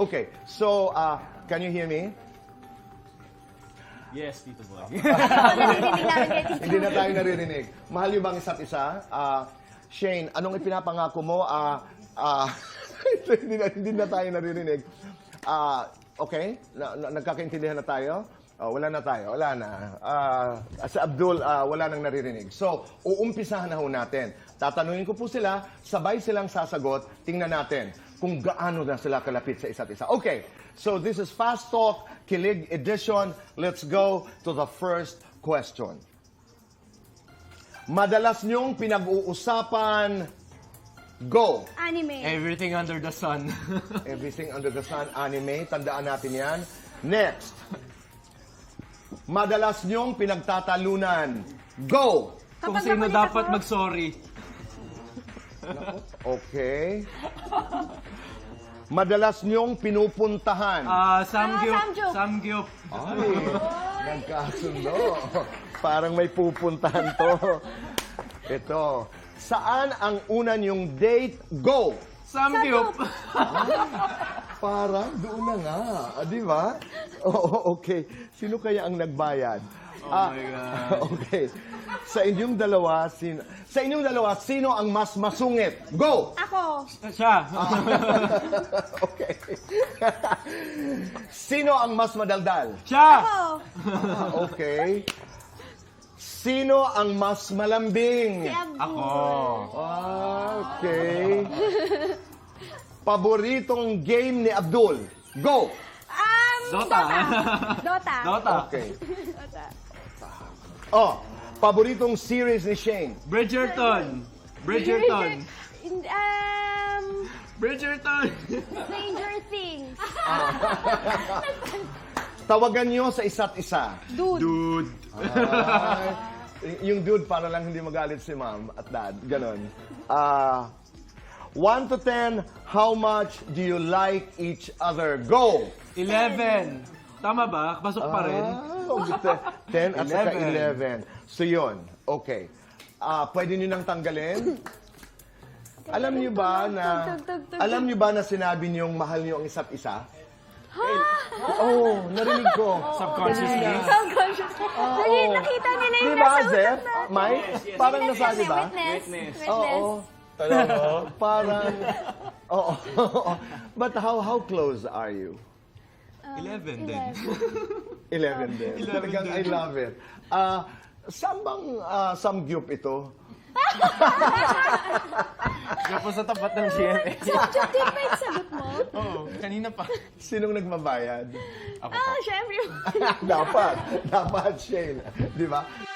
Okay, so, can you hear me? Yes, Tito Boy. Narinig namin kay Tito. Hindi na tayo naririnig. Mahal niyo bang isa't isa? Shane, anong ipinapangako mo? Hindi na tayo naririnig. Okay? Nagkakaintindihan na tayo? Wala na tayo. Wala na. Sa Abdul, wala nang naririnig. So, uumpisahan na ho natin. Tatanungin ko po sila, sabay silang sasagot, tingnan natin kung gaano na sila kalapit sa isa't isa. Okay, so this is Fast Talk, Kilig Edition. Let's go to the first question. Madalas niyong pinag-uusapan, go! Anime. Everything under the sun. Everything under the sun, anime. Tandaan natin yan. Next. Madalas niyong pinagtatalunan, go! Kung Kapag sino nakulit dapat ako- mag-sorry. Okay. Madalas niyong pinupuntahan. Samgyup. Samgyup. Ay, nagkasundo. Parang may pupuntahan to. Ito. Saan ang una niyong date? Go! Samgyup. Parang doon na nga. Di ba? Oo, okay. Sino kaya ang nagbayad? Oh my God. Okay. Sa inyong dalawa, sino ang mas masungit? Go! Ako. Siya. Okay. Sino ang mas madaldal? Siya. Ako. Okay. Sino ang mas malambing? Si Abdul. Ako. Okay. Paboritong game ni Abdul? Go! Dota. Dota. Dota. Okay. Dota. Oh, paboritong series ni Shane? Bridgerton. Bridgerton. Bridgerton. Stranger Things. Tawagan nyo sa isa't isa. Dude. Dude. Ay, yung dude, para lang hindi magalit si mom at dad. Ganon. 1 to 10, how much do you like each other? Go! 11. Tama ba? Pasok pa rin. 10 at saka 11. 11. So yun, okay. Pwede nyo nang tanggalin? Alam niyo ba na sinabi niyong mahal niyo ang isa't isa? Oo, narinig ko. Subconsciously. Subconsciously. Nakita nila yung Di ba, nasa Zep? utak natin. Mike? Parang nasabi ba? Witness. Oo. Talaga? Parang, oo. But how close are you? 11 din. 11 din. Talagang I love it. Saan bang samgyup ito? Siya po sa tapat ng GMA. Subject din ba yung sagot mo? Oo, kanina pa. Sinong nagbabayad? Ako po. Syempre. Dapat, Shane. Di ba?